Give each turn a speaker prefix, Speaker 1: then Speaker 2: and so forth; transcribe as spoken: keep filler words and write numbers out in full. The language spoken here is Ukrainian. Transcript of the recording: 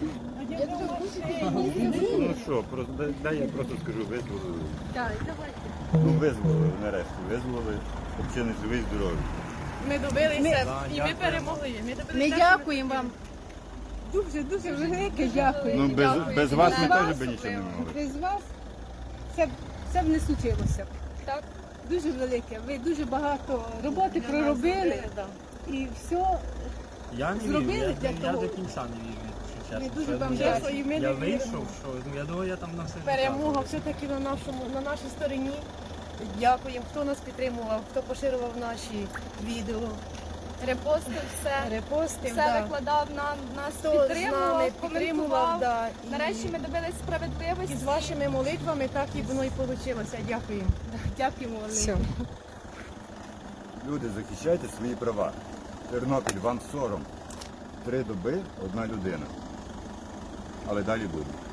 Speaker 1: Ну що, просто, дай- дай я просто скажу, визволили.
Speaker 2: Так, давайте.
Speaker 1: Ну визволили нарешті, визволили, щоб ще не живий, здоровий.
Speaker 2: Ми добилися
Speaker 3: Ми-
Speaker 2: і ми перемогли. Ми, добилися
Speaker 4: Ми
Speaker 2: те, що
Speaker 4: дякуємо вам. Дуже, дуже велике дякую.
Speaker 1: Ну без, без вас ми
Speaker 4: Без
Speaker 1: теж
Speaker 4: вас
Speaker 1: би нічого не могли.
Speaker 4: Без вас це, б- це б не случилося.
Speaker 2: Так.
Speaker 4: Дуже велике. Ви дуже багато роботи проробили і все.
Speaker 3: Я не
Speaker 4: Зробили
Speaker 3: вірю,
Speaker 4: для
Speaker 3: я, я
Speaker 4: того.
Speaker 3: до кінця не вірю, якщо чесно.
Speaker 4: Ми дуже
Speaker 3: Що,
Speaker 4: вам
Speaker 3: ну, я,
Speaker 4: дякуємо, ми
Speaker 3: я
Speaker 4: не
Speaker 3: вийшов,
Speaker 4: віримо.
Speaker 3: що ну, я думаю, я там на все життя
Speaker 2: Перемога
Speaker 3: буду.
Speaker 2: все-таки на нашому, на нашій стороні. Дякуємо, хто нас підтримував, хто поширював наші відео,
Speaker 5: Репостив все,
Speaker 2: репости.
Speaker 5: все
Speaker 2: да.
Speaker 5: викладав, нам, нас
Speaker 2: Хто з нами
Speaker 5: підтримував,
Speaker 2: підтримував,
Speaker 5: коментував.
Speaker 2: да. і,
Speaker 5: Нарешті ми добились справедливості.
Speaker 2: і з вашими молитвами так і воно і вийшло. Дякуємо.
Speaker 4: Дякуємо вам.
Speaker 2: Все.
Speaker 1: Люди, захищайте свої права. Тернопіль, вам сором. Три доби, одна людина. Але далі буде.